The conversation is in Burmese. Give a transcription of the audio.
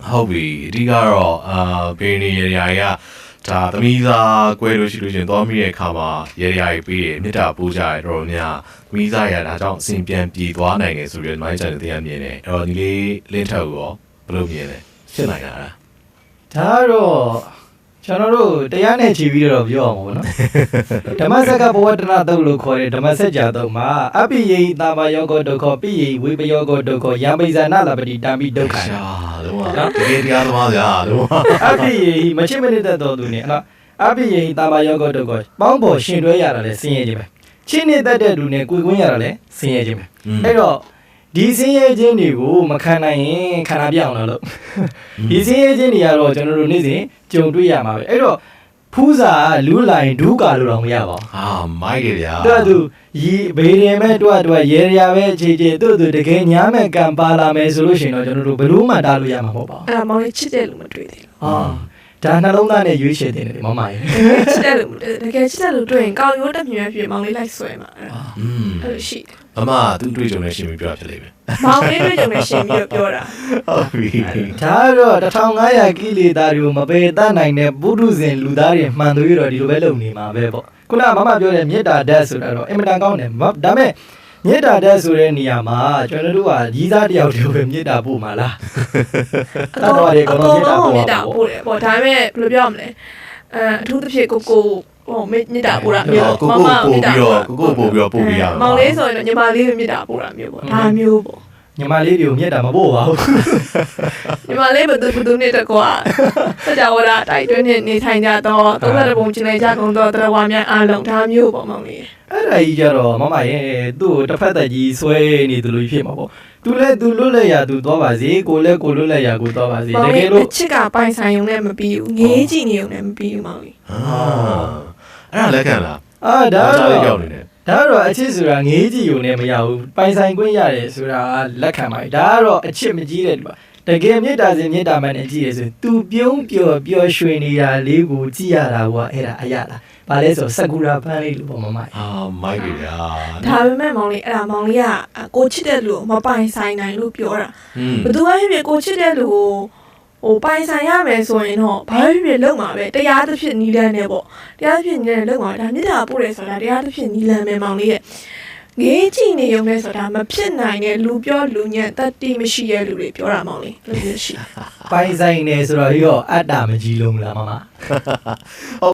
ဟုတ်ပြီအဓိကတော့ဘေးနေရရဒါသမီးသားကွဲလို့ရှိလို့ရှင်သွားမိတဲ့အခါမှာရရကြီးပြီးရမြစ်တာပိုးကြရတော့များသမီးသားရဒါကြောင့်အစဉ်ပြန်ပြေသွားနိုင်တယ်ဆိုပြီးမိုင်းချန်တဲ့တရားမြင်တယ်အဲ့တော့ဒီလေးလင်းထက်ကိုရောဘယ်လိုမြင်လဲရှင်းနိုင်တာလားဒါတော့ကျွန်တော်တို့တရားနဲ့ခြေပြီးတော့ပြောအောင်ပေါ့နော်ဓမ္မစက္ကဘဝတနာတုတ်လို့ခေါ်တဲ့ဓမ္မစကြာတုတ်မှာအပိယေတာမယောဂဒုက္ခပိယေဝိပယောဂဒုက္ခယံပိဇာနာလပတိတံပိဒုက္ခရှာတော့တကယ်တရားသမားဗျာတော့အပိယေမချစ်မနစ်တဲ့တော်သူနေနော်အပိယေတာမယောဂဒုက္ခပေါင်းပေါ်ရှင်တွဲရတာလဲဆင်းရဲခြင်းပဲချင်းနေတဲ့တဲ့လူနဲ့ကိုယ်ကွင်းရတာလဲဆင်းရဲခြင်းပဲအဲ့တော့ဒီဆင်းရဲခြင်းတွေကိုမခံနိုင်ရင်ခန္ဓာပြအောင်လို့ဒီဆင်းရဲခြင်းတွေကတော့ကျွန်တော်တို့နေ့စဉ်ကြုံတွေ့ရမှာပဲအဲ့တော့ဖူးစာလူးလိုက်ဒူးကာလို့တော့မရပါဘူးဟာမိုက်တယ်ဗျာတော်သူရီဘေးရင်မဲ့တွတ်ရဲရပဲခြေခြေတို့တကယ်ညားမဲ့ကံပါလာမယ်ဆိုလို့ရှိရင်တော့ကျွန်တော်တို့ဘယ်လို့မှတားလို့ရမှာမဟုတ်ပါဘူးအဲ့ဒါမောင်လေးချစ်တဲ့လူမတွေ့သေးဘူးဒါနှလုံးသားနဲ့ရွေးချယ်တင်တယ်မမရေချစ်တဲ့လူတကယ်ချစ်တဲ့လူတွေ့ရင်ကောင်းရိုးတက်မြွေပြမောင်လေးလိုက်ဆွဲမှာအဲ့လိုရှိမမသူတွေ့ကြုံနေရှင်ပြီးပြောဖြစ်လိမ့်မယ်မောင်လေးတွေ့ကြုံနေရှင်ပြီးပြောတာဟုတ်ပြီဒါတော့1500ကိလေသာတွေကိုမပယ်တတ်နိုင်တဲ့ပုထုဇဉ်လူသားတွေမှန်သွေးတော့ဒီလိုပဲလုပ်နေမှာပဲပေါ့ခုနမမပြောတဲ့မေတ္တာဓာတ်ဆိုတာတော့အင်မတန်ကောင်းတယ်ဒါပေမဲ့မေတ္တာဓာတ်ဆိုတဲ့နေရာမှာကျွန်တော်တို့ကကြီးစားတယောက်တည်းပဲမေတ္တာပို့မှာလားတတော်တွေကတော့မေတ္တာပို့တယ်ပေါ့ဒါပေမဲ့ဘယ်လိုပြောရမလဲအထူးသဖြင့်ကိုဟိုမေတ္တာပို့တာမျိုးကိုပို့ပြီးတော့ပို့ပြီးရမောင်လေးဆိုရင်ညီမလေးမေတ္တာပို့တာမျိုးပေါ့ဒါမျိုးပေါ့ညီမလေးတွေကိုမေတ္တာမပို့ပါဘူးညီမလေးဘယ်သူနဲ့တကွာစကြဝဠာတိုက်တွင်းနေထိုင်ကြတော့သုံးရတဲ့ပုံကျင်လိုက်ကြကုန်တော့တရားဝါများအားလုံးဒါမျိုးပေါ့မောင်လေးအဲ့ဒါကြီးကြတော့မမရဲ့သူ့ကိုတစ်ဖက်သက်ကြီးဆွဲနေသူလိုဖြစ်မှာပေါ့သူလဲသူလွတ်လဲရသူသွားပါစေကိုလဲကိုလွတ်လဲရကိုသွားပါစေတကယ်လို့ချစ်ကပိုင်ဆိုင်ုံနဲ့မပြီးဘူးငေးကြည့်နေုံနဲ့မပြီးဘူးမောင်လေးအဲ့ဒါလက်ခံလားဒါတော့ရောက်နေတယ်ဒါတော့အချစ်ဆိုတာငေးကြည့်ုံနဲ့မရဘူးပိုင်ဆိုင်ခွင့်ရတယ်ဆိုတာလက်ခံပါဒါကတော့အချစ်မကြီးတဲ့လူပါတကယ်မေတ္တာစင်မေတ္တာမှန်နဲ့ကြည့်ရဆိုသူပြုံးပျော်ရွှင်နေတာလေးကိုကြည့်ရတာကအဲ့ဒါအရလားဘာလဲဆိုစကူရာပန်းလေးလို့ပေါ့မမမိုက်ပြီဗျာဒါပေမဲ့မောင်လေးအဲ့ဒါမောင်လေးကကိုချစ်တဲ့လူကိုမပိုင်ဆိုင်နိုင်လို့ပြောတာဘယ်သူမှဖြစ်ကိုချစ်တဲ့လူကိုဟိုပိုင်ဆိုင်ရမယ်ဆိုရင်တော့ဘာဖြစ်လုံမှာပဲတရားသဖြင့်နီးလန်းနေပေါ့တရားသဖြင့်နီးလန်းလုံမှာဒါမြစ်တာပို့တယ်ဆိုတာတရားသဖြင့်နီးလန်းမယ်မောင်လေးရဲ့ငေးကြည့်နေုံနဲ့ဆိုတာမဖြစ်နိုင်တဲ့လူပြောလူညံ့တတိမရှိရဲ့လူတွေပြောတာမောင်လေးလို့ရှိပိုင်ဆိုင်နေဆိုတော့ရောအတ္တမကြီးလုံးလားမမ